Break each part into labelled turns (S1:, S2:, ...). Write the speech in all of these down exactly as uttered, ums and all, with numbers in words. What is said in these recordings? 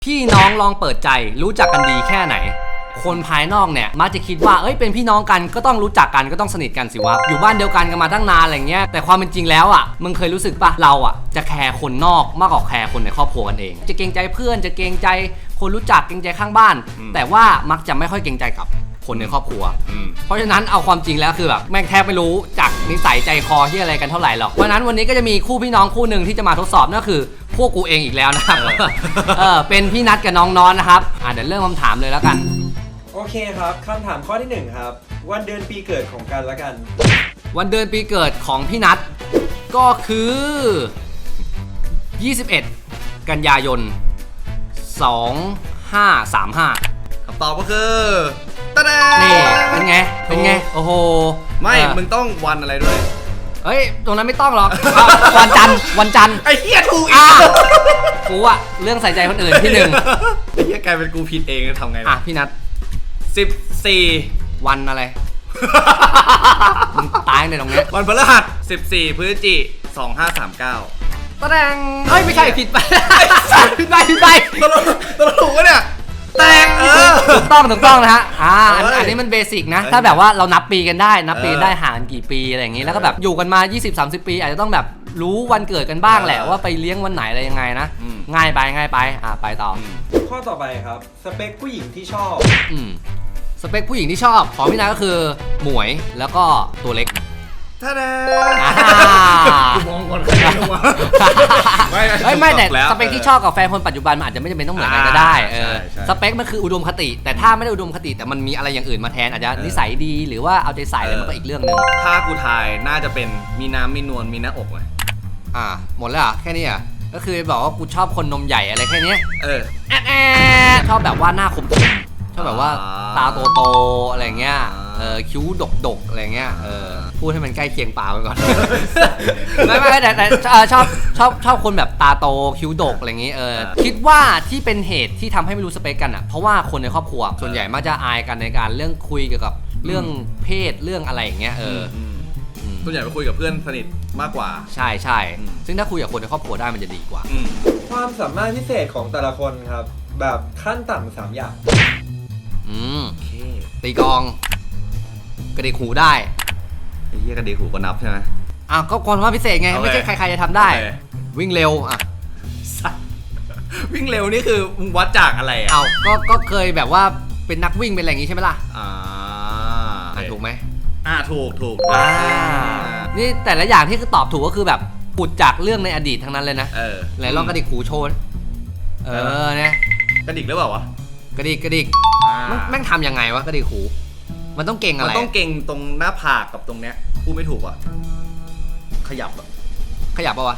S1: พี่น้องลองเปิดใจรู้จักกันดีแค่ไหนคนภายนอกเนี่ยมักจะคิดว่าเอ้ยเป็นพี่น้องกันก็ต้องรู้จักกันก็ต้องสนิทกันสิวะอยู่บ้านเดียวกันกันมาตั้งนานอะไรเงี้ยแต่ความเป็นจริงแล้วอ่ะมึงเคยรู้สึกปะเราอ่ะจะแคร์คนนอกมากกว่าแคร์คนในครอบครัวกันเองจะเกรงใจเพื่อนจะเกรงใจคนรู้จักเกรงใจข้างบ้านแต่ว่ามักจะไม่ค่อยเกรงใจกับคนในครอบครัวเพราะฉะนั้นเอาความจริงแล้วคือแบบแม่งแทบไม่รู้จักนิสัยใจคอที่อะไรกันเท่าไหร่หรอกเพราะฉะนั้นวันนี้ก็จะมีคู่พี่น้องคู่หนึ่งที่จะมาทดสอบนั่นก็คือพวกกูเองอีกแล้วนะครับเออเป็นพี่นัทกับน้องนอนนะครับอ่ะเดี๋ยวเริ่มคำถามเลยแล้วกัน
S2: โอเคครับคำถามข้อที่หนึ่งครับวันเดือนปีเกิดของกันและกัน
S1: วันเดือนปีเกิดของพี่นัทก็คือยี่สิบเอ็ดกันยายนสองห้าสามห้า
S3: คำตอบก็คือตะแดง
S1: นี่เป็นไงเป็นไงโอ้โห
S3: ไม่มึงต้องวันอะไรด้วย
S1: เฮ้ยตรงนั้นไม่ต้องหรอกวันจันทร์วันจันทร์
S3: ไอ้เหี้ยถูกอีก
S1: กูอะเรื่องใส่ใจคนอื่นที่หนึ่ง
S3: ไอ้เหี้ยกลายเป็นกูผิดเองทำไง
S1: อ่ะพี่นัท
S3: สิบสี่
S1: วันอะไรมึงตายในตรงนี้
S3: วันพฤหัสสิบสี่พฤศจิกายนสองห้าสามเก้า
S1: ตะแดงเฮ้ยไม่ใช่ผิดไปผิดไปผิดไป
S3: ตลกตลกถูกวะเนี่ยแตงเออ
S1: ถูกต้องถูกต้องนะฮะอ่าอันนี้มันเบสิกนะถ้าแบบว่าเรานับปีกันได้นับปีได้ห่างกันกี่ปีอะไรอย่างงี้แล้วก็แบบอยู่กันมา ยี่สิบ สามสิบ ปีอาจจะต้องแบบรู้วันเกิดกันบ้างแหละว่าไปเลี้ยงวันไหนอะไรยังไงนะง่ายไปง่ายไปอ่าไปต่อ
S2: ข้อต่อไปครับสเปคผู้หญิงที่ชอบ
S1: อืมสเปคผู้หญิงที่ชอบของพี่นาก็คือหมวยแล้วก็ตัวเล็ก
S3: ท่าแด
S1: กูมองก่อนไม่ไม่แต่สเปคที่ชอบกับแฟนคนปัจจุบันมันอาจจะไม่จำเป็นต้องเหมือนกันก็ได้เออสเปคมันคืออุดมคติแต่ถ้าไม่ได้อุดมคติแต่มันมีอะไรอย่างอื่นมาแทนอาจจะนิสัยดีหรือว่าเอาใจใส่อะไรมันก็อีกเรื่องนึง
S3: ถ้ากูทายน่าจะเป็นมีน้ำมีนวลมีหน้าอกเลย
S1: อ่าหมดแล้วอ่ะแค่นี้อ่ะก็คือบอกว่ากูชอบคนนมใหญ่อะไรแค่นี้
S3: เออ
S1: แอดชอบแบบว่าหน้าคมชอบแบบว่าตาโตๆอะไรเงี้ยเออคิ้วดกๆอะไรเงี้ยเออพูดให้มันใกล้เคียงปากไปก่อนไม่ไม่แต่แต่ชอบชอบชอบคนแบบตาโตคิ้วดกอะไรเงี้ยเออคิดว่าที่เป็นเหตุที่ทำให้ไม่รู้สเปคกันอ่ะเพราะว่าคนในครอบครัวส่วนใหญ่มักจะอายกันในการเรื่องคุยเกี่ยวกับเรื่องเพศเรื่องอะไรอย่างเงี้ยเออ
S3: ส่วนใหญ่ไปคุยกับเพื่อนสนิทมากกว่า
S1: ใช่ใช่ซึ่งถ้าคุยกับคนในครอบครัวได้มันจะดีกว่า
S2: ความสามารถพิเศษของแต่ละคนครับแบบขั้นต่ำสามอย่าง
S1: อืมตีกองกระดิกหูได้
S3: ไอ้เหี้ยกระดิกหูก็นับใช่ไหม
S1: อ้าวก็ความสามารถพิเศษไงไม่ใช่ใครๆจะทำได้วิ่งเร็วอ่ะ
S3: วิ่งเร็วนี่คือมึงวัดจากอะไรอ่ะ
S1: อ้าวก็ก็เคยแบบว่าเป็นนักวิ่งเป็นอะไรอย่างงี้ใช่ไหมล่ะอ่าถูกไหม
S3: อ่าถูกถูก
S1: อ่านี่แต่ละอย่างที่คือตอบถูกก็คือแบบปุดจากเรื่องในอดีตทั้งนั้นเลยนะ
S3: เออ
S1: ไหนลองกระดิกหูโชว์เออเนี่ย
S3: กระดิกหรือเปล่าวะ
S1: กระดิกกระดิกแม่งทำยังไงวะกระดิกหูมันต้องเก่งอะไร
S3: มันต้องเก่งตรงหน้าผากกับตรงเนี้ยพูดไม่ถูกอ่ะขยับอ่ะ
S1: ขยับป่ะวะ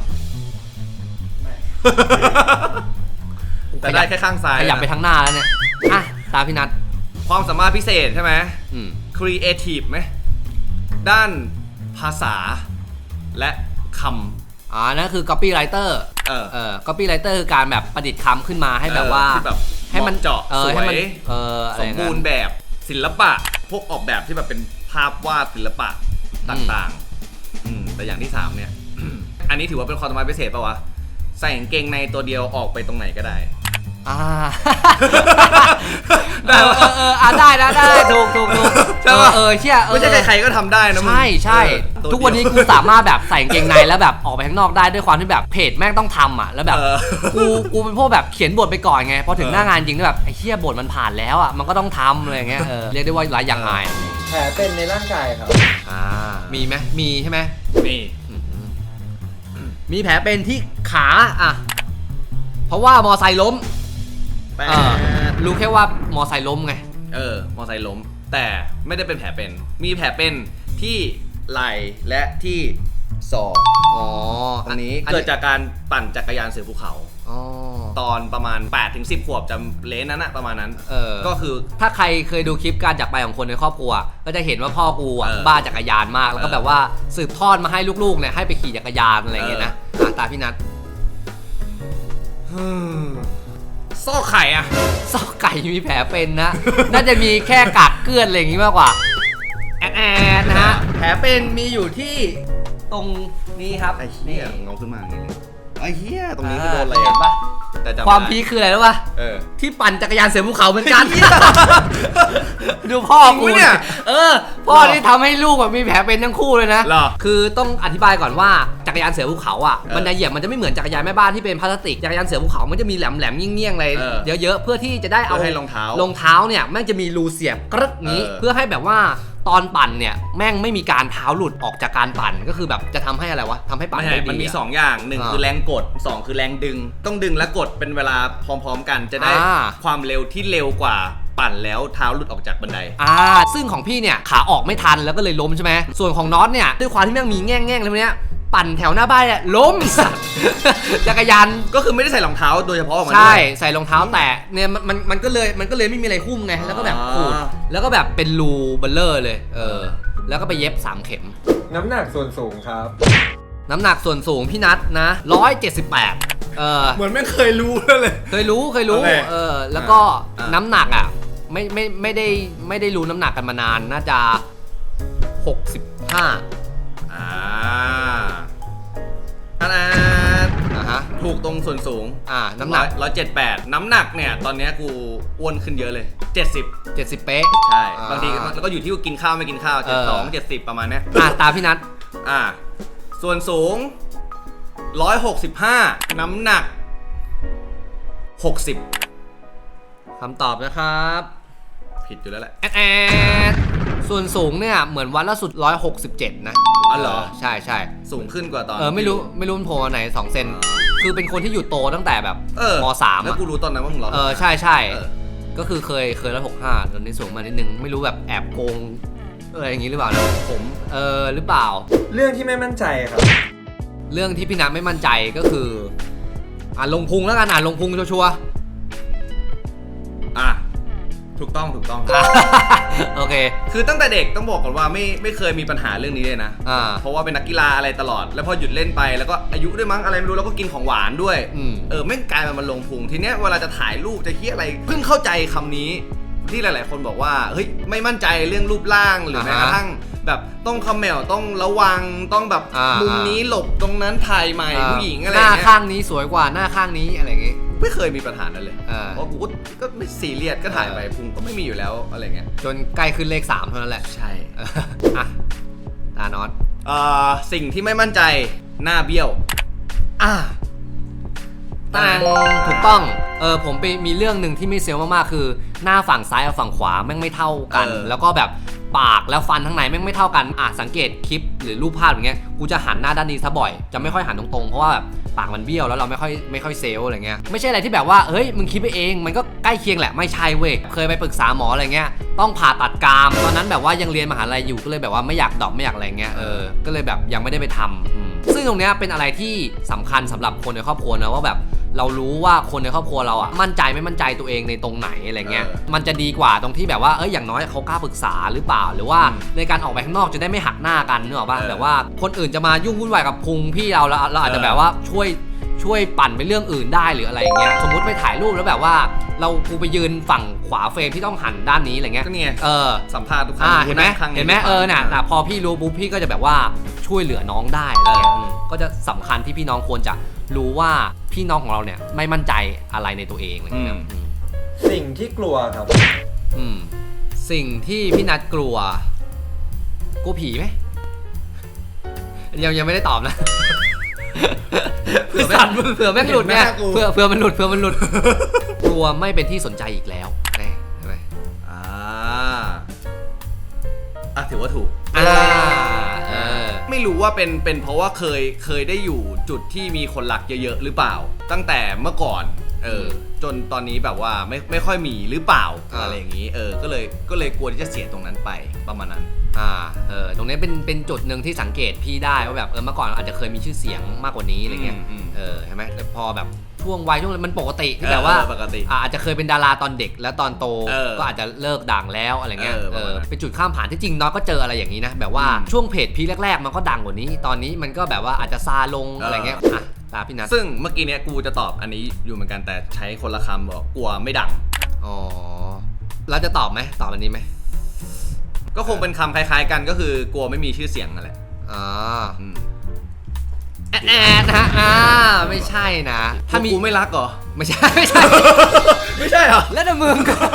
S3: แต่ได้แค่ข้างซ้าย
S1: ขยับไปทางหน้าแล้วเนี่ยอ่ะตาพี่นัท
S3: ความสามารถพิเศษใช่ไหมอืมครีเอทีฟไหมด้านภาษาและคำ
S1: อ่านั่นคือ copywriter เออเออ copywriter คือการแบบประดิษฐ์คำขึ้นมาให้แบบว่า
S3: ให้มันเจาะสวย
S1: ส
S3: มบูรณ์แบบศิลปะพวกออกแบบที่แบบเป็นภาพวาดศิลปะต่างๆแต่อย่างที่สามเนี่ย อันนี้ถือว่าเป็นความสามารถพิเศษป่าวะใส่กางเกงในตัวเดียวออกไปตรงไหนก็ได้
S1: อ่าได้เออเอออ่าได้ได้ได้ถูกถูกถูก
S3: ใช่ป่ะ
S1: เออเชี่ย
S3: ไม่ใช่ใครๆก็ทำได้นะ
S1: ใช่ใช่ทุกวันนี้กูสามารถแบบใส่กางเกงในแล้วแบบออกไปข้างนอกได้ด้วยความที่แบบเพจแม่งต้องทำอ่ะแล้วแบบกูกูเป็นพวกแบบเขียนบทไปก่อนไงพอถึงหน้างานจริงแบบไอ้เชี่ยบทมันผ่านแล้วอ่ะมันก็ต้องทำอะไรเงี้ยเออเรียกได้ว่าหลายอย่างอาย
S2: แผลเป็นในร่างกายครับ
S1: อ่ามีไหมมีใช่ไหม
S3: มี
S1: มีแผลเป็นที่ขาอ่ะเพราะว่ามอไซค์ล้มรู้แค่ว่ามอไซค์ล้มไง
S3: เออมอไซค์ล้มแต่ไม่ได้เป็นแผลเป็นมีแผลเป็นที่ไหล่และที่ศอกอ๋อตรงนี้เกิดจากการปั่นจักรยานเสือภูเขาตอนประมาณ แปดถึงสิบ ขวบจำเลนนั้นอะประมาณนั้นก็คือ
S1: ถ้าใครเคยดูคลิปการจากไปของคนในครอบครัวก็จะเห็นว่าพ่อกูอ่ะบ้าจักรยานมากแล้วก็แบบว่าสืบทอดมาให้ลูกๆเนี่ยให้ไปขี่จักรยานอะไรเงี้ยนะตาพี่นัท
S3: ซอกไข่อะ
S1: ซอกไก่มีแผลเป็นนะน่าจะมีแค่กากเกลื่อนอะไรอย่างงี้มากกว่าแอดนะฮะแผลเป็นมีอยู่ที่ตรงนี้ครับ
S3: ไอ้เหี้ยงงขึ้นมาอย่างงี้ไอ้เหี้ยตรงนี้คือโดนอะไร
S1: เห็นปะ
S3: แต่จำไได้
S1: ความพีคคืออะไรรู้ป่ะ
S3: เออ
S1: ที่ปั่นจักรยานเสือภูเขาเหมือนกัน ดูพ่อ
S3: จริง
S1: กู
S3: ปะเนี่ย
S1: เออ พ่อที่ทำให้ลูกแบบมีแผลเป็นทั้งคู่เลยนะ
S3: เหรอ
S1: คือต้องอธิบายก่อนว่าจักรยานเสือภูเขาอ่ะ
S3: เออ
S1: มันจะเหยียบมันจะไม่เหมือนจักรยานแม่บ้านที่เป็นพลาสติกจักรยานเสือภูเขามันจะมีแหลมแหลมๆเงี้ยงๆอะไร
S3: เออ
S1: เยอะๆเพื่อที่จะได้เอา
S3: เพื่อให้รองเท้าร
S1: องเท้าเนี่ยแม่งจะมีรูเสียบกรึกนี้
S3: เออ
S1: เพื่อให้แบบว่าตอนปั่นเนี่ยแม่งไม่มีการเท้าหลุดออกจากการปั่นก็คือแบบจะทำให้อะไรวะทำให้ปั่น
S3: ไม่
S1: ได้
S3: ใช่
S1: ดี
S3: มันมี
S1: อะ
S3: สองอย่างหนึ่ง
S1: อ่า
S3: คือแรงกดสองคือแรงดึง ต้องดึงและกดเป็นเวลาพร้อมๆกันจะได้
S1: อ่า
S3: ความเร็วที่เร็วกว่าปั่นแล้วเท้าหลุดออกจากบันได
S1: อ่าซึ่งของพี่เนี่ยขาออกไม่ทันแล้วก็เลยล้มใช่ไหมส่วนของน็อตเนี่ยด้วยความที่แม่งมีแง่งแง่งๆอะไรพวกเนี้ยปั่นแถวหน้าบ้านเนี่ยล้มสัตว์ จักรยาน
S3: ก็คือไม่ได้ใส่รองเท้าโดยเฉพาะออกมา
S1: ใช่
S3: ด้วย
S1: ใส่รองเท้าแตะเนี่ยมันมันมันก็เลยมันก็เลยไม่มีอะไรหุ้มไงแล้วก็แบบขูด
S3: อ่า
S1: แล้วก็แบบเป็นรูเบลเลอร์เลยเออแล้วก็ไปเย็บสามเข็ม
S2: น้ำหนักส่วนสูงครับ
S1: น้ำหนักส่วนสูงพี่นัทนะร้อยเจ็ดสิบแปดเออ
S3: เหมือนไม่เคยรู้เลย
S1: เคยรู้เคยรู้
S3: โอเค
S1: เออแล้วก็
S3: อ่า
S1: น้ำหนักอ่ะไม่ไม่ไม่ได้ไม่ได้รู้น้ำหนักกันมานานน่าจะหกสิบห้า
S3: อ่าอันนั้น
S1: นะฮะ
S3: ถูกตรงส่วนสูง
S1: อ่าน้ำหนัก
S3: ร้อยเจ็ดแปดน้ำหนักเนี่ยตอนเนี้ยกูอ้วนขึ้นเยอะเลยเจ็ดสิบ
S1: เจ็ดสิบเป๊ะ
S3: ใช่
S1: อ่า
S3: บางทีแล้วก็อยู่ที่ว่ากินข้าวไม่กินข้าว
S1: เอ
S3: เจ็ด
S1: อ
S3: สองเจ็ดสิบประมาณเนี้ย
S1: อ่ะตามพี่นัท
S3: อ่าส่วนสูงร้อยหกสิบห้าน้ำหนักหกสิบ
S1: คำตอบนะครับ
S3: ผิดอยู่แล้วแหละ
S1: แอดแอดส่วนสูงเนี่ยเหมือนวันล่าสุดร้อยหกสิบเจ็ดนะ
S3: อ๋อเหรอ
S1: ใช่ใช่
S3: สูงขึ้นกว่าตอน
S1: เออไม่รู้ไม่รู้มันโผล่มาไหนสองเซนคือเป็นคนที่อยู่โตตั้งแต่แบบ
S3: เออ
S1: มสาม
S3: แล้ว
S1: อะ
S3: กูรู้ตอนนั้นว่ามึงร้อย
S1: เออใช่ใช่
S3: เออ
S1: ก็คือเคยเคยร้อยหกห้าตอนนี้สูงมานิดนึงไม่รู้แบบแอบโกงเอออย่างนี้หรือเปล่านะผมเออหรือเปล่า
S2: เรื่องที่ไม่มั่นใจครับ
S1: เรื่องที่พี่นัทไม่มั่นใจก็คืออ่านลงพุงแล้วกันอ่านลงพุงชัวร์
S3: อ่ะถูกต้องถูกต้อง
S1: ๆ โอเค
S3: คือตั้งแต่เด็กต้องบอกก่อนว่าไม่ไม่เคยมีปัญหาเรื่องนี้เลยนะ
S1: อ่า
S3: เพราะว่าเป็นนักกีฬาอะไรตลอด แล้วพอหยุดเล่นไปแล้วก็อายุด้วยมั้งอะไรไม่รู้แล้วก็กินของหวานด้วย
S1: อืม
S3: เออไม่งกลายมามันลงพุงทีเนี้ยเวลาจะถ่ายรูปจะเฮียอะไรเพิ่งเข้าใจคำนี้ที่หลาย ๆ คนบอกว่าเฮ้ยไม่มั่นใจเรื่องรูปร่างหรือแม้กระทั่งแบบต้องคำแมวต้องระวังต้องแบบ
S1: อ่ามุ
S3: มุมนี้หลบตรงนั้นถ่ายใหม่ผู้หญิงอะไร
S1: หน้า
S3: เงี้ย
S1: ข้างนี้สวยกว่าหน้าข้างนี้อะไรอย่างงี้
S3: ไม่เคยมีปัญหานั้นเลย
S1: อ่า
S3: เพราะกูก็ก็ไม่ซีเรียสก็ถ่ายไปพุงก็ไม่มีอยู่แล้วอะไรเงี้ย
S1: จนใกล้ขึ้นเลขสามเท่านั้นแหละ
S3: ใช่
S1: เอออ่ะตานอต
S3: เอ่อสิ่งที่ไม่มั่นใจหน้าเบี้ยว
S1: อ่ะตางถูกต้องเออผมไปมีเรื่องหนึ่งที่ไม่เซลล์มากๆคือ หน้าฝั่งซ้ายกับฝั่งขวาแม่งไม่เท่ากัน
S3: เออ
S1: แล้วก็แบบปากแล้วฟันข้างในแม่งไม่เท่ากันอ่ะสังเกตคลิปหรือรูปภาพอย่างเงี้ยกูจะหันหน้าด้านนี้ซะบ่อยจะไม่ค่อยหันตรงๆเพราะว่าแบบปากมันเบี้ยวแล้วเราไม่ค่อยไม่ค่อยเซลล์อะไรเงี้ยไม่ใช่อะไรที่แบบว่าเฮ้ยมึงคิดไปเองมันก็ใกล้เคียงแหละไม่ใช่เว้ยเคยไปปรึกษาหมออะไรเงี้ยต้องผ่าตัดกรามตอนนั้นแบบว่ายังเรียนมหาลัยอยู่ก็เลยแบบว่าไม่อยากดรอปไม่อยากอะไรเงี้ยเออก็เลยแบบยังไม่ได้ไปทำอืมซึ่งตรงเนี้ยเป็นอะไรที่สำคัญสำหรับคนในครอบครัวนะว่าแบบเรารู้ว่าคนในครอบครัวเราอ่ะมั่นใจไม่มั่นใจตัวเองในตรงไหนอะไรเงี้ย
S3: เออ
S1: มันจะดีกว่าตรงที่แบบว่าเอ้ยอย่างน้อยเขากล้าปรึกษาหรือเปล่าหรือว่าในการออกไปข้างนอกจะได้ไม่หักหน้ากันนึกออกป่ะ
S3: เออ
S1: แบบว่าคนอื่นจะมายุ่งวุ่นวายกับพุงพี่เราแล้วเราอาจจะ
S3: เออ
S1: แบบว่าช่วยช่วยปั่นไปเรื่องอื่นได้หรืออะไรอย่างเงี้ยสมมุติไปถ่ายรูปแล้วแบบว่าเรากูไปยืนฝั่งขวาเฟรมที่ต้องหันด้านนี้อะไรเงี้ย
S3: ก็เนี่ย
S1: เออ
S3: สัมภาษณ์ทุกครั้ง
S1: อ่าเห็นไหม
S3: ข้าง
S1: เห็นไหมเออน่ะแต่พอพี่รู้ปุ๊บพี่ก็จะแบบว่าช่วยเหลือน้องได้อะไรเงี้ย
S3: เอออื
S1: มก็จะสำคัญที่พี่น้องควรจะรู้ว่าพี่น้องของเราเนี่ยไม่มั่นใจอะไรในตัวเองอะไรเงี้ยอืม
S2: สิ่งที่กลัวครับ
S1: อืมสิ่งที่พี่นัทกลัวกลัวผีไหมยังยังไม่ได้ตอบนะ เผื่อแม่งเผื่อแม่งหลุดเนี่ยเผื่อเผื่อมันหลุดเผื่อมันหลุด กลัวไม่เป็นที่สนใจอีกแล้วแน่ใช่ไหม
S3: อ่าอ่ะถือว่าถูก
S1: อ่าเออ
S3: ไม่รู้ว่าเป็นเป็นเพราะว่าเคยเคยได้อยู่จุดที่มีคนรักเยอะๆหรือเปล่า ตั้งแต่เมื่อก่อนเออจนตอนนี้แบบว่าไม่ไม่ค่อยมีหรือเปล่า
S1: อ่า
S3: อะไรอย่างนี้เออก็เลยก็เลยกลัวที่จะเสียตรงนั้นไปประมาณนั้น
S1: อ่าเออตรงนี้เป็นเป็นจุดหนึ่งที่สังเกตพี่ได้ว่าแบบเออเมื่อก่อนอาจจะเคยมีชื่อเสียงมากกว่านี้อะไรเงี้ย
S3: อืมอืม
S1: เออใช่ไหมแต่พอแบบช่วงวัยช่วงอะไรมันปกติที่แบบว่า
S3: เออปกติ
S1: อ่าอาจจะเคยเป็นดาราตอนเด็กแล้วตอนโต
S3: เออ
S1: ก็อาจจะเลิกด่างแล้วอะไรเงี้ย
S3: เออ
S1: เอ
S3: ประมา
S1: อ
S3: ณนั้น
S1: เป็นจุดข้ามผ่านที่จริงน้อยก็เจออะไรอย่างนี้นะแบบว่า
S3: อืม
S1: ช่วงเพจพีแรกๆมันก็ดังกว่านี้ ตอนนี้มันก็แบบว่าอาจจะซาลง
S3: เอออ
S1: อะไรเงี้ยอ่ะตาพี่นัท
S3: ซึ่งเมื่อกี้เนี้ยกูจะตอบอันนี้อยู่เหมือนกันแต่ใช้คนละคำบอกกลัวไม่ดัง
S1: อ๋อแล้วจะตอบไหมตอบอันนี้ไหม
S3: ก็คงเป็นคำคล้ายๆกันก็คือกลัวไม่มีชื่อเสียงนั่นแหละ
S1: อ่า
S3: อืม
S1: แอดแอดนะฮะอ่าไม่ใช่นะ
S3: ถ้ามีกูไม่รักเหรอ
S1: ไม่ใช่ไม่ใช่
S3: ไม่ใช่เหรอ
S1: แล้วแต่มึงก็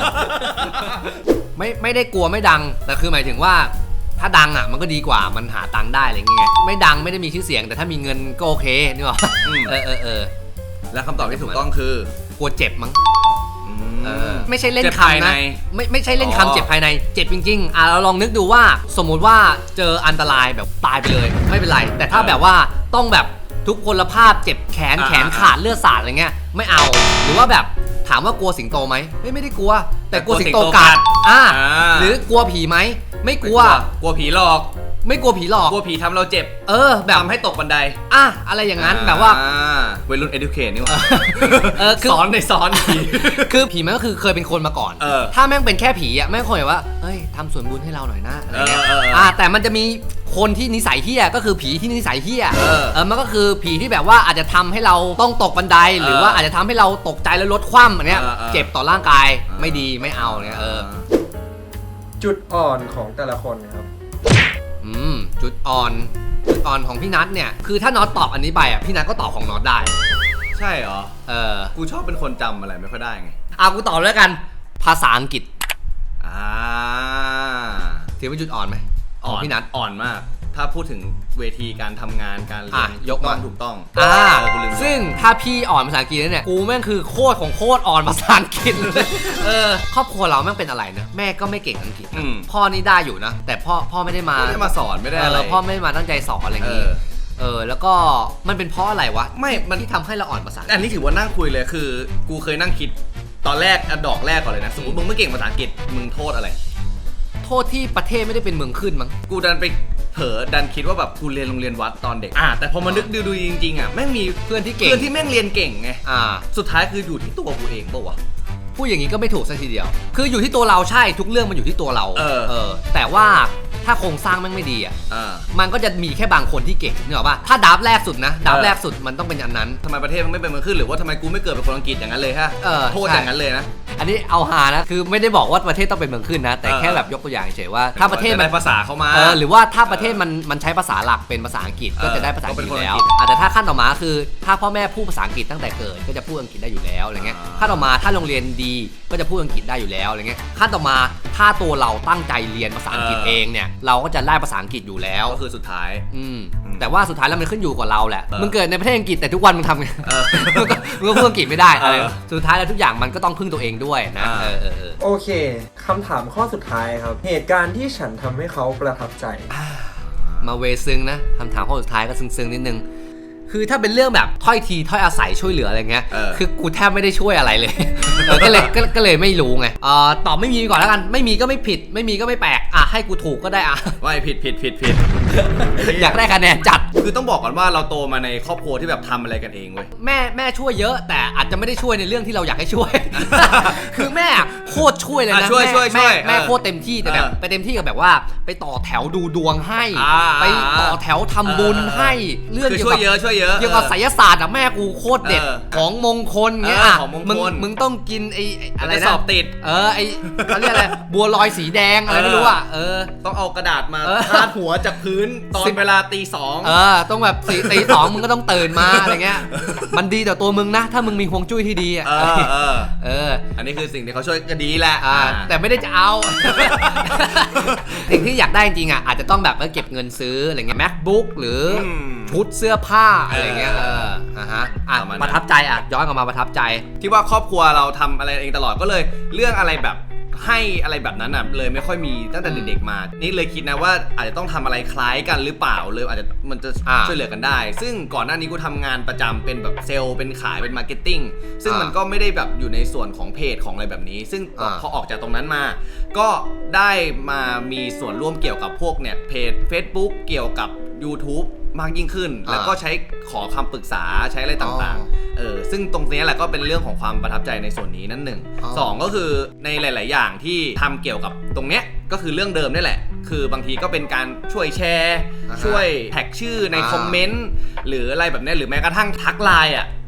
S1: ไม่ไม่ได้กลัวไม่ดังแต่คือหมายถึงว่าถ้าดังอ่ะมันก็ดีกว่ามันหาตังค์ได้อะไรเงี้ยไม่ดังไม่ได้มีชื่อเสียงแต่ถ้ามีเงินก็โอเคนี่หรอเออเออเออ
S3: และคำตอบที่ถูกต้องคือก
S1: ลัวเจ็บมั้ง
S3: เออ
S1: ไม่ใช่เล่น
S3: เจ็บภาย
S1: คำ
S3: ใน
S1: นะไม่ไม่ใช่เล่น
S3: อ๋อ
S1: คำเจ็บภายในเจ็บจริงๆอ่ะเราลองนึกดูว่าสมมุติว่าเจออันตรายแบบตายไปเลยไม่เป็นไรแต่ถ้าแบบว่าต้องแบบทุกพลภาพเจ็บแขนแขนขาดเลือดสาดอะไรเงี้ยไม่เอาหรือว่าแบบถามว่ากลัวสิงโตไหมไม่ไม่ได้กลัว แต่กลัวสิงโตกัดอ่าหรือกลัวผีไหมไม่กลัว
S3: กลัวผีหลอก
S1: ไม่กลัวผีหลอก
S3: กลัวผีทำเราเจ็บ
S1: เออแบบ
S3: ทำให้ตกบันได
S1: อ่ะอะไรอย่างนั้นแบบว่า
S3: วัยรุ่น educate นี่หว่า
S1: เออคือ
S3: สอนในสอนผี
S1: คือผีมันก็คือเคยเป็นคนมาก่อน
S3: เออ
S1: ถ้าแม่งเป็นแค่ผีอ่ะแม่งคงแบบว่าเฮ้ยทำส่วนบุญให้เราหน่อยนะอะไรเงี้ย
S3: เออเออเออ
S1: อ่าแต่มันจะมีคนที่นิสัยเฮี้ยก็คือผีที่นิสัยเฮี้ย
S3: เออ
S1: เออมันก็คือผีที่แบบว่าอาจจะทำให้เราต้องตกบันไดหรือว่าอาจจะทำให้เราตกใจแล้วลดคว่ำอันเนี้ย
S3: เออเออ
S1: เจ็บต่อร่างกายไม่ดีไม่เอาเนี่ยเออ
S2: จุดอ่อนของแต่ละคนครับ
S1: อืมจุดอ่อนจุดอ่อนของพี่นัทเนี่ยคือถ้าน็อตตอบอันนี้ไปอ่ะพี่นัทก็ตอบของน็อตได้
S3: ใช่เหรอ
S1: เออ
S3: กูชอบเป็นคนจำอะไรไม่ค่อยได้ไง
S1: เอากูตอบแล้วกันภาษาอังกฤษ
S3: อ่า
S1: ถือเป็นจุดอ่อนไหมข
S3: อ่
S1: อง
S3: อน
S1: พี่นัท
S3: อ่อนมาก ถ้าพูดถึงเวทีการทำงานการเรียน
S1: อ่ะยกมา
S3: ถูกต้อง
S1: อ่า
S3: เออกูลืม
S1: ซึ่งถ้าพี่อ่อนภาษาอังกฤษเนี่ยกูแม่งคือโคตรของโคตรอ่อนภาษาอังกฤษเลยเออครอบครัวเราแม่งเป็นอะไรนะแม่ก็ไม่เก่งอังกฤษนะ
S3: อืม
S1: พ่อนี่ได้อยู่นะ แต่พ่อพ่อไม่ได้มา
S3: ไม่ได้มาสอนไม่ได้
S1: เอ
S3: อะไร
S1: อพ่อไม่ได้มาตั้งใจสอนอะไรอย่างงี้
S3: เออ
S1: เออแล้วก็มันเป็นเพราะอะไรวะ
S3: ไม่มัน
S1: ที่ทำให้เราอ่อนภาษาอังกฤษ
S3: อันนี้ถือว่านั่งคุยเลยคือ กูเคยนั่งคิดตอนแรกอะดอกแรกก่อนเลยนะ สมมติมึงไม่เก่งภาษาอังกฤษมึงโทษอะไร
S1: โทษที่ประเทศไม่ได้เป็นเมืองขึ้นมั้ง
S3: กูดันไปเผลอดันคิดว่าแบบกูเรียนโรงเรียนวัดตอนเด็กอ่ะแต่พอมานึกดูดูจริงๆอ่ะแม่งมี
S1: เพื่อนที่เก่ง
S3: เพื่อนที่แม่งเรียนเก่งไง
S1: อ่า
S3: สุดท้ายคืออยู่ที่ตัวกูเองป่าววะ
S1: พูดอย่างนี้ก็ไม่ถูกสักทีเดียว คืออยู่ที่ตัวเราใช่ทุกเรื่องมันอยู่ที่ตัวเรา
S3: เออ
S1: เออแต่ว่าถ้าโครงสร้างแม่งไม่ดีอ่ะ
S3: อ่า
S1: มันก็จะมีแค่บางคนที่เก่งนึกออกป่ะถ้าดับแรกสุดนะดับ
S3: เออ
S1: แรกสุดมันต้องเป็นอันนั้น
S3: ทำไมประเทศมันไม่เป็นเมืองขึ้นหรือว่าทำไมกูไม่เกิดเป็นคนอังกฤษอย่างนั้นเลยฮะ
S1: เออ
S3: โทษ
S1: ใช่
S3: อย่างนั้นเลยนะ
S1: อันนี้เอาหานะคือไม่ได้บอกว่าประเทศต้องเป็นเมืองขึ้นนะแต่
S3: เออ
S1: แค่แบบยกตัวอย่างเฉยๆว่าถ้าประเทศ
S3: จ
S1: มัน
S3: ได้ภาษาเข้ามา
S1: เออหรือว่าถ้าประเทศมันมันใช้ภาษาหลักเป็นภาษาอังกฤษก็
S3: เออ
S1: จะได้ภาษาอังกฤษ
S3: ก็เป็นคน
S1: แล้ว
S3: อังกฤษ
S1: อาจจะถ้าขั้นต่อมาคือถ้าพ่อแม่พูดภาษาอังกฤษตั้งแต่เกิดก็จะพูดอังกฤษได้อยู่แล้วอะไรเงี้ย
S3: อ่า
S1: ขั้นต่อมาถ้าโรงเรียนดีก็จะพูดอังกฤษได้อยู่แล้วอะไรเงี้ยขั้นต่อมาถ้าตัวเราตั้งใจเรียนภาษาอังกฤษเองเนี่ยเราก็จะได้ภาษาอังกฤษอยู่แล้ว
S3: ก็คือสุดท้าย
S1: อืม
S3: อืม
S1: แต่ว่าสุดท้ายแล้วมันขึ้นอยู่กับเราแหละ
S3: เออ
S1: มึงเกิดในประเทศอังกฤษแต่ทุกวันมึงทำไง
S3: เออ
S1: มึงก็มึงก็พูดอังกฤษไม่ได้อะไร
S3: เออ
S1: สุดท้ายแล้วทุกอย่างมันก็ต้องพึ่งตัวเองด้วยนะ
S3: อ่า
S1: เออเออเออ
S2: โอเคคำถามข้อสุดท้ายครับ เหตุการณ์ที่ฉันทำให้เขาประทับใจ
S1: มาเวซึ้งนะคำถามข้อสุดท้ายก็ซึ้งๆนิดนึงคือถ้าเป็นเรื่องแบบถ้อยทีถ้อยอาศัยช่วยเหลืออะไรเงี้ย
S3: เออ
S1: คือกูแทบไม่ได้ช่วยอะไรเลย เออก็เลยก็ก็เลยไม่รู้ไงเอ่อตอบไม่มีก่อนแล้วกันไม่มีก็ไม่ผิด ไม่มีก็ไม่แปลกอ่ะให้กูถูกก็ได้อ่ะ
S3: ว่าผิดผิดผิดผิด
S1: อยากได้คะแนนจัด
S3: คือต้องบอกก่อนว่าเราโตมาในครอบครัวที่แบบทำอะไรกันเองเว้ย
S1: แม่แม่ช่วยเยอะแต่อาจจะไม่ได้ช่วยในเรื่องที่เราอยากให้ช่วย คือแม่โคตรช่วยเลยนะ
S3: อ่ะช่วย
S1: แม่
S3: ช่วยช่วย
S1: แม่แม่
S3: เออ
S1: โคตรเต็มที่แต่แบบ
S3: เออ
S1: ไปเต็มที่กับแบบว่า ไปต่อแถวดูดวงให้
S3: อ่า
S1: ไปต่อแถวทำบุญ
S3: เออ
S1: ให้เรื่อง
S3: คือ
S1: เกี่ยว
S3: ช่วย
S1: กับ
S3: เยอะช่วยเยอะ
S1: เกี่ยวกับไสยศาสตร์อะแม่กูโคตรเด็ด
S3: เออ
S1: ของมงคลเงี้ย
S3: เออ
S1: อ่ะ
S3: ของมงคล
S1: มึงมึงต้องกินไอ้ไอ้อะไร
S3: จะ
S1: นะ
S3: สอบติด
S1: เออไอ้เขาเรียกอะไรบัวลอยสีแดงอะไรไม่รู้อ่ะเออ
S3: ต้องเอากระดาษมา
S1: เออ
S3: พาดหัวจากพื้นตอน
S1: สิบ
S3: เวลาตีสอง
S1: เออต้องแบบสี่ตีสองมึงก็ต้องตื่นมาอะไรเงี้ยมันดีต่อตัวมึงนะ ถ้ามึงมีฮวงจุ้ยที่ดีอ่ะ
S3: เออเออ
S1: เออ
S3: อันนี้คือสิ่งที่เขาช่วยก็ดีแหละ
S1: อ่าแต่ไม่ได้จะเอา สิ่งที่อยากได้จริงๆอ่ะอาจจะต้องแบบเออเก็บเงินซื้ออะไรเงี้ย MacBook หรืออ
S3: ม
S1: ชุดเสื้อผ้าอะไรเงี้ย
S3: เอ
S1: เอ
S3: อ
S1: ออ่ะฮะอ่ะ
S3: ประมาณนั้น
S1: ประทับใจอ่ะย้อนกลับมาประทับใจ
S3: ที่ว่าครอบครัวเราทำอะไรเองตลอดก็เลยเรื่องอะไรแบบให้อะไรแบบนั้นอ่ะเลยไม่ค่อยมีตั้งแต่เด็กๆมา นี่เลยคิดนะว่าอาจจะต้องทำอะไรคล้ายกันหรือเปล่าเลยอาจจะมันจะ
S1: อ่า
S3: ช่วยเหลือกันได้ ซึ่งก่อนหน้านี้กูทำงานประจำเป็นแบบเซลล์เป็นขายเป็นมาร์เก็ตติ้งซึ่ง
S1: อ่ามั
S3: มันก็ไม่ได้แบบอยู่ในส่วนของเพจของอะไรแบบนี้ ซึ่ง
S1: อ่า
S3: พอออกจากตรงนั้นมา ก็ได้มามีส่วนร่วมเกี่ยวกับพวกเนี่ยเพจ Facebook เกี่ยวกับ YouTube มากยิ่งขึ้น แล้วก็ใช้ขอคำปรึกษาใช้อะไรต่างๆ เออซึ่งตรงนี้แหละก็เป็นเรื่องของความประทับใจในส่วนนี้นั่นหนึ่ง
S1: อ๋อ
S3: สองก็คือในหลาย ๆ อย่างที่ทำเกี่ยวกับตรงเนี้ยก็คือเรื่องเดิมนี่แหละ คือบางทีก็เป็นการช่วยแชร์
S1: อ่าฮะ
S3: ช่วยแท็กชื่อใน
S1: อ่า
S3: คอมเมนต์หรืออะไรแบบเนี้ยหรือแม้กระทั่งทักไลน์อ่ะ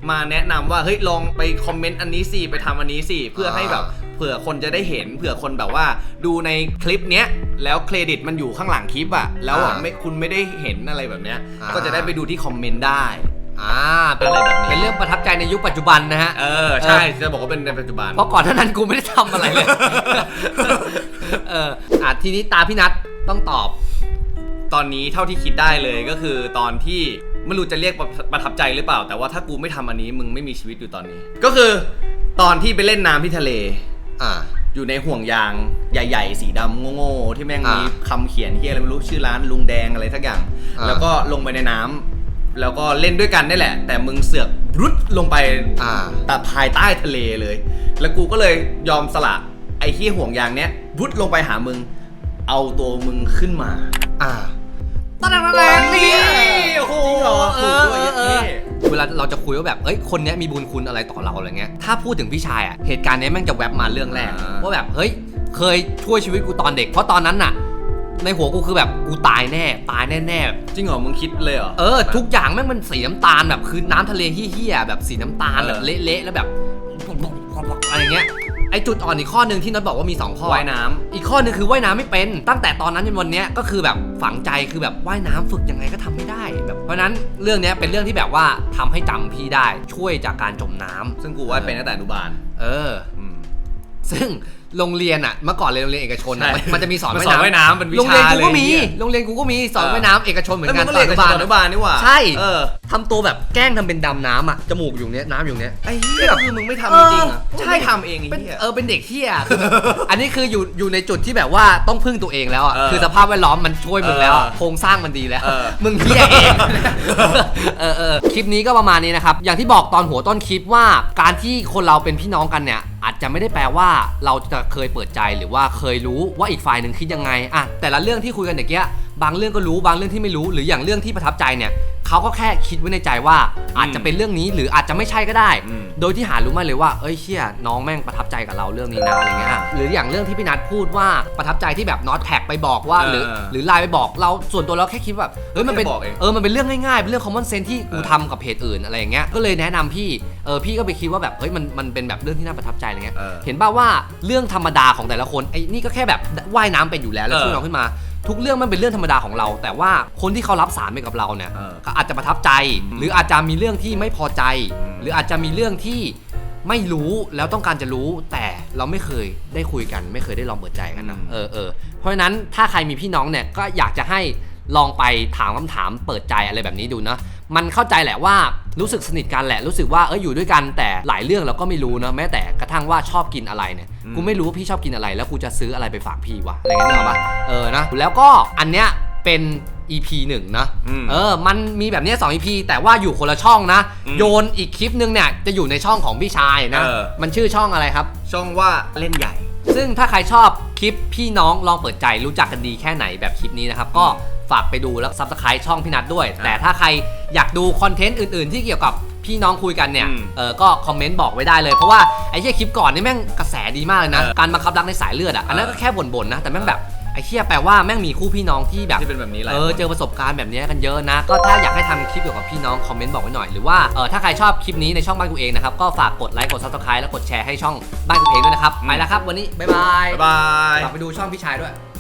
S3: มาแนะนำว่าเฮ้ยลองไปคอมเมนต์อันนี้สิไปทำอันนี้สิเพื่อให้แบบเผื่อคนจะได้เห็นเผื่อคนแบบว่าดูในคลิปเนี้ยแล้วเครดิตมันอยู่ข้างหลังคลิปอะแล้วอะไม่คุณไม่ได้เห็นอะไรแบบเนี้ยก็จะได้ไปดูที่คอมเมนต์ได้
S1: อ่าเป็นอะไรแบบนี้เป็นเรื่องประทับใจในยุคปัจจุบันนะฮะ
S3: เออใช่จะบอกว่าเป็นในปัจจุบัน
S1: เพราะก่อนหน้านั้นกูไม่ได้ทำอะไรเลยเอออ่ะทีนี้ตาพี่นัทต้องตอบ
S3: ตอนนี้เท่าที่คิดได้เลยก็คือตอนที่ไม่รู้จะเรียกประทับใจหรือเปล่าแต่ว่าถ้ากูไม่ทำอันนี้มึงไม่มีชีวิตอยู่ตอนนี้ก็คือตอนที่ไปเล่นน้ำที่ทะเล
S1: อ่า
S3: อยู่ในห่วงยางใหญ่ๆสีดำโง่ๆที่แม่งมีคำเขียนที่อะไรไม่รู้ชื่อร้านลุงแดงอะไรสักอย่างแล้วก็ลงไปในน้ำแล้วก็เล่นด้วยกันนี่แหละแต่มึงเสือกรุดลงไปแต่ภายใต้ทะเลเลยแล้วกูก็เลยยอมสละไอ้ที่ห่วงยางเนี้ยรุดลงไปหามึงเอาตัวมึงขึ้นมา
S1: อ่าตอนนั้นแรงนี่โอ้โห
S3: เออเออ
S1: เวลาเราจะคุยว่าแบบเอ้ยคนนี้มีบุญคุณอะไรต่อเราอะไรเงี้ยถ้าพูดถึงพี่ชายอ่ะเหตุการณ์นี้แม่งจะแวบมาเรื่องแรกว่าแบบเฮ้ยเคยช่วยชีวิตกูตอนเด็กเพราะตอนนั้นน่ะในหัวกูคือแบบกูตายแน่ตายแน่ๆ
S3: จริงเหรอมึงคิดเลยเหรอ
S1: เออทุกอย่างแม่งมันสีน้ำตาลแบบคือน้ำทะเลเหี้ยๆแบบสีน้ำตาลแบบเละๆแล้วแบบอะไรเงี้ยไอจุดอ่อนอีกข้อหนึ่งที่น็อตบอกว่ามีสองข้อ
S3: ว่ายน้ำ
S1: อีกข้อนึงคือว่ายน้ำไม่เป็นตั้งแต่ตอนนั้นจนวันนี้ก็คือแบบฝังใจคือแบบว่ายน้ำฝึกยังไงก็ทำไม่ได้แบบเพราะนั้นเรื่องนี้เป็นเรื่องที่แบบว่าทำให้จำพี่ได้ช่วยจากการจมน้ำ
S3: ซึ่งกูว่ายเป็นตั้งแต่อนุบาล
S1: เออซึ่งโรงเรียนอ่ะเมื่อก่อนเลยโรงเรียนเอกชนอ่ะมันจะมีสอนว่าย
S3: น้ำเป็นวิชา
S1: โรงเรียนกูก็มีโรงเรียนกูก็มีสอนว่ายน้ำเอกชนเหมือนกัน
S3: ตอนอนุบาลอนุบาลนี่หว่า
S1: ใช่ทำตัวแบบแกล้งทำเป็นดำน้ำอ่ะจมูกอยู่เนี้ยน้ำอยู่เนี้ย
S3: ไอ้เหี้ยคือมึงไม่ทำจริงๆอ่ะใช่ทำเองไอ้เหี้ย
S1: เออเป็นเด็กเหี้ยอันนี้คืออยู่อยู่ในจุดที่แบบว่าต้องพึ่งตัวเองแล้วอ่ะคือสภาพแวดล้อมมันช่วยมึงแล้วโครงสร้างมันดีแล้วมึงเหี้ยเองเออเออคลิปนี้ก็ประมาณนี้นะครับอย่างที่บอกตอนหัวต้นคลิปว่าการที่คนเราเป็นพี่น้องกันเนี่ยอาจจะไม่ได้แปลว่าเราจะเคยเปิดใจหรือว่าเคยรู้ว่าอีกฝ่ายหนึ่งคิดยังไงอะแต่ละเรื่องที่คุยกันอย่างเงี้ยบางเรื่องก็รู้บางเรื่องที่ไม่รู้หรืออย่างเรื่องที่ประทับใจเนี่ยเขาก็แค่คิดไว้ในใจว่าอาจจะเป็นเรื่องนี้หรืออาจจะไม่ใช่ก็ได้โดยที่หารู้มาเลยว่าเอ้ยเชี่ยน้องแม่งประทับใจกับเราเรื่องนี้นะอะไรเงี้ยหรืออย่างเรื่องที่พี่นัทพูดว่าประทับใจที่แบบน็อตแท็กไปบอกว่าหรือหรือไลน์ไปบอกเราส่วนตัวเราแค่คิดแบบเฮ้ยมันเป็นเออมันเป็นเรื่องง่ายๆเป็นเรื่อง common sense ที่กูทำกับเพจอื่นอะไรอย่างเงี้ยก็เลยแนะนำพี่เออพี่ก็ไปคิดว่าแบบเฮ้ยมันมันเป็นแบบเรื่องที่น่าประทับใจอะไรเงี้ยเห็นป่าวว่าเรื่องธรรมดาของแต่ละคนไอ้นี่ก็แค่แบบว่ายน้ำเป็นอยู่แล้วแล้วช่วยน้องขึ้นมาทุกเรื่องมันเป็นเรื่องธรรมดาของเราแต่ว่าคนที่เขารับสารไปกับเราเนี่ยก็อาจจะประทับใจหรืออาจจะมีเรื่องที่ไม่พอใจหรืออาจจะมีเรื่องที่ไม่รู้แล้วต้องการจะรู้แต่เราไม่เคยได้คุยกันไม่เคยได้ลองเปิดใจกันนะเออเออเพราะฉะนั้นถ้าใครมีพี่น้องเนี่ยก็อยากจะให้ลองไปถามคำถามเปิดใจอะไรแบบนี้ดูนะมันเข้าใจแหละว่ารู้สึกสนิทกันแหละรู้สึกว่าเอออยู่ด้วยกันแต่หลายเรื่องเราก็ไม่รู้นะแม้แต่กระทั่งว่าชอบกินอะไรเนี่ยกูไม่รู้ว่าพี่ชอบกินอะไรแล้วกูจะซื้ออะไรไปฝากพี่วะอะไรเงี้ยนึกออกปะเออนะแล้วก็อันเนี้ยเป็น อี พี หนึ่งนะเออมันมีแบบนี้สอง อี พี แต่ว่าอยู่คนละช่องนะโยนอีกคลิปนึงเนี่ยจะอยู่ในช่องของพี่ชายนะมันชื่อช่องอะไรครับ
S3: ช่องว่าเล่นใหญ่
S1: ซึ่งถ้าใครชอบคลิปพี่น้องลองเปิดใจรู้จักกันดีแค่ไหนแบบคลิปนี้นะครับก็ฝากไปดูแล้ว ซับสไครบ์ ช่องพี่นัทด้วยแต่ถ้าใครอยากดูคอนเทนต์อื่นๆที่เกี่ยวกับพี่น้องคุยกันเนี่ยเออก็คอมเมนต์บอกไว้ได้เลยเพราะว่าไอ้เหี้ยคลิปก่อนนี่แม่งกระแสดีมากเลยนะการบังคับรักในสายเลือดอ่ะอันนั้นก็แค่บ่นๆนะแต่แม่งแบบไอ้เหี้ยแปลว่าแม่งมีคู่พี่น้องที่แบบ
S3: ที่เป็นแบบนี้แหละ
S1: เออเจอประสบการณ์แบบนี้กันเยอะนะก็ถ้าอยากให้ทำคลิปเกี่ยวกับพี่น้องคอมเมนต์บอกไว้หน่อยหรือว่าเออถ้าใครชอบคลิปนี้ในช่องบ้านกูเองนะครับก็ฝากกดไลค์กด ซับสไครบ์ แล้วกดแชร์ให้ช่องบ้านกูเองด้วยนะครับไปแล้วครับวันนี้บ๊ายบาย
S3: บ๊ายบาย
S1: ฝากไปดูช่องพี่ชายด้วย